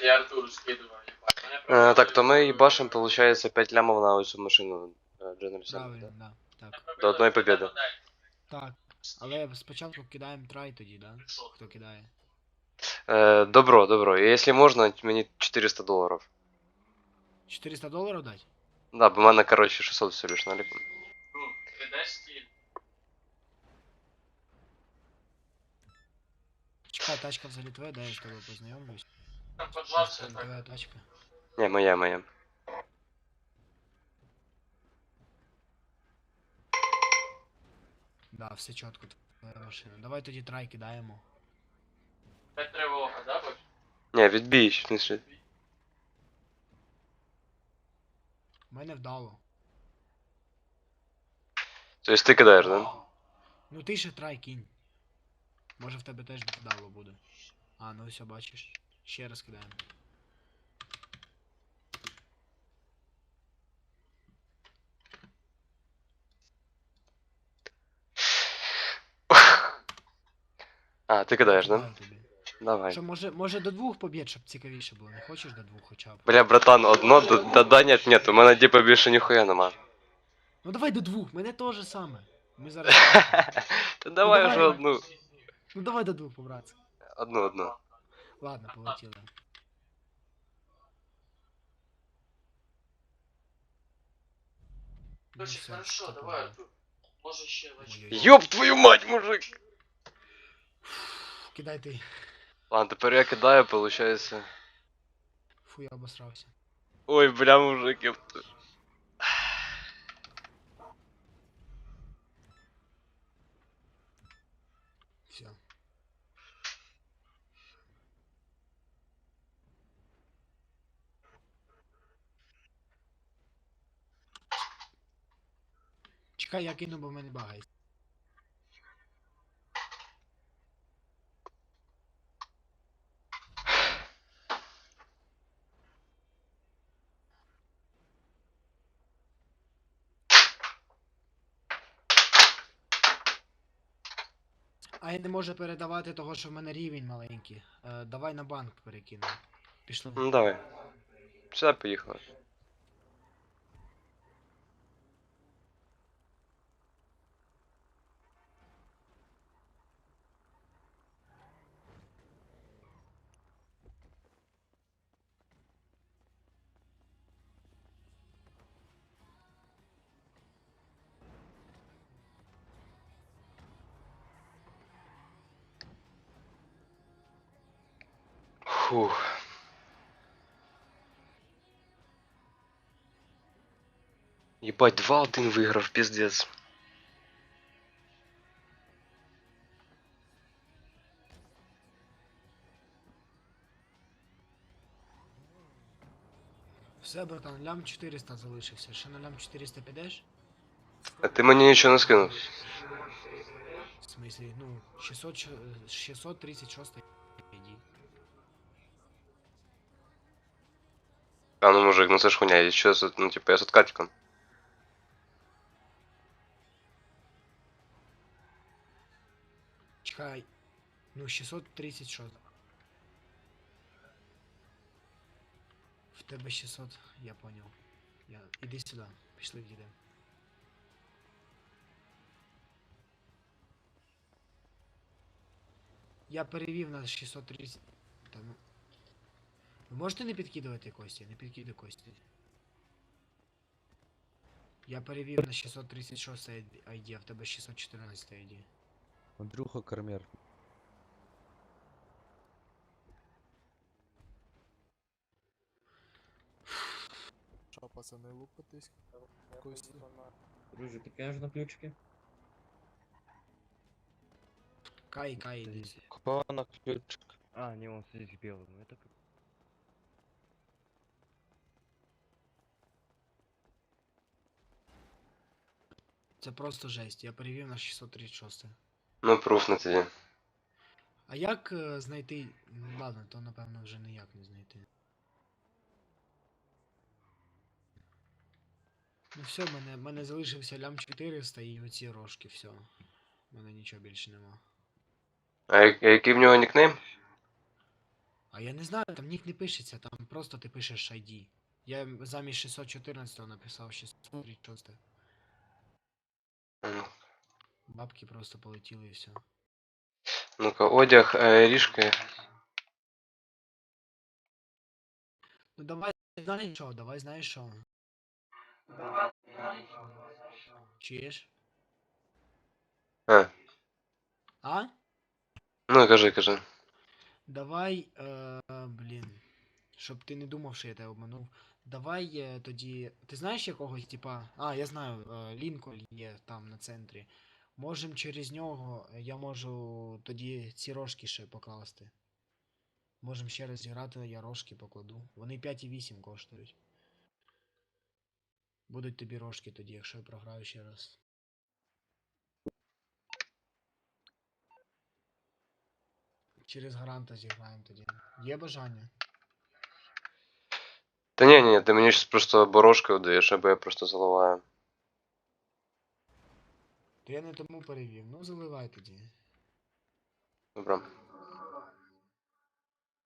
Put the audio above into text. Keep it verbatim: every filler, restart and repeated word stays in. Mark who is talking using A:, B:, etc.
A: Э, так, то мы ебашим, получается, пять лямов на эту машину. General Assembly,
B: Правильно,
A: да?
B: да. Так.
A: До одной победы.
B: Так. Але спочатку кидаємо трай тоді, да? Хто кидає?
A: Э, добро, добро. И если можно, мне четыреста долларов.
B: чотириста доларів дати?
A: Да, бо в мене, короче, шестьсот всего лишь налип.
B: Чекай, тачка взагалі твоя, дай я з тобою познайомлюсь. Може, це не твоя тачка?
A: Не, моя, моя.
B: Да, все чітко, твоя машина. Давай тоді трай кидаємо.
A: Не, відбій, в смысле.
B: У мене вдало.
A: То есть ты кидаешь, да?
B: Ну ти ще трай кинь. Може в тебе теж вдало буде. А, ну все, бачиш. Ще раз кидаємо.
A: А, ты
B: Я
A: кидаешь, да?
B: кидаю тобі.
A: Давай.
B: Що, може, може до двох побід, щоб цікавіше було? Не хочеш до двох хоча б?
A: Бля, братан, одно, да, да, да нет, нет, у мене типа більше ніхуя нема.
B: Ну давай до двох, мене теж саме. Ми зараз.
A: Та давай
B: давай.
A: уже одну.
B: Ну давай до двох, побратці.
A: Одну, одну.
B: Ладно, полетіли. Ну, все,
C: Хорошо,
B: типа,
C: давай, Артур. Може ще вечір.
B: ой-ой-ой.
A: Ёб твою мать, мужик!
B: Кидай ти.
A: Ладно, тепер я кидаю, получается.
B: Фу, я обосрався.
A: Ой, бля, мужик, ёпта.
B: Все. Чекай, я кину, бо в мене багає. А я не можу передавати того, що в мене рівень маленький. Е, давай на банк перекину. Пішли.
A: Ну давай. Сюда поїхали. Фух. Ебать, два один виграв, пиздец.
B: Все, братан, лям чотириста залишився. Ще на лям чотириста підеш?
A: А ти мені нічого не скинув.
B: В смислі, ну, шістсот, ч- шістсот тридцять шість іди.
A: А ну мужик, ну це ж хуйня, я що, з- ну типа я з откатиком.
B: Чекай. Ну, шістсот тридцять шість. В тебе шістсот, я понял. Я... Іди сюди, пішли в'їдемо. Я перевів на шістсот тридцять. Та ну. Ви можете не підкидувати кості? Не підкидай кості. Я перевів на шістсот тридцять шість ай ді, а в тебе шістсот чотирнадцять ай ді.
D: Андрюха Кармер.
E: Що, пацани, лупитись? Кості.
F: Друже, ти кажеш на ключики?
B: Кай, кай, іди.
D: Кто на ключ?
F: А, не, он здесь белый, ну это как...
B: Це просто жесть, я перевів на шістсот тридцять шість.
A: Ну, пруф на тоді.
B: А як е, знайти. Ну, ладно, то напевно вже ніяк не знайти. Ну все, в мене, в мене залишився лям чотириста і оці рожки, все. У мене нічого більше нема.
A: А я- який в нього нікнейм?
B: А я не знаю, там нік не пишеться, там просто ти пишеш ай ді. Я замість шістсот чотирнадцять написав шістсот тридцять шість.
A: М.
B: Бабки просто полетіли і все.
A: Ну-ка, одяг, е, ріжки.
B: Ну давай, знаєш що, давай знаєш що. Чуєш?
A: А,
B: А?
A: ну кажи, кажи.
B: Давай, е, блін. Щоб ти не думав, що я тебе обманув. Давай е, тоді. Ти знаєш якогось, типа. А, я знаю, е, Лінкольн є там на центрі. Можем через нього, е, я можу тоді ці рожки ще покласти. Можем ще раз зіграти, я рожки покладу. Вони п'ять і вісім коштують. Будуть тобі рожки тоді, якщо я програю ще раз. Через гаранта зіграємо тоді. Є бажання?
A: Та ні, ні, ти мені щось просто борошки даєш, або я просто заливаю.
B: То я не тому перевів. Ну заливай тоді.
A: Добре.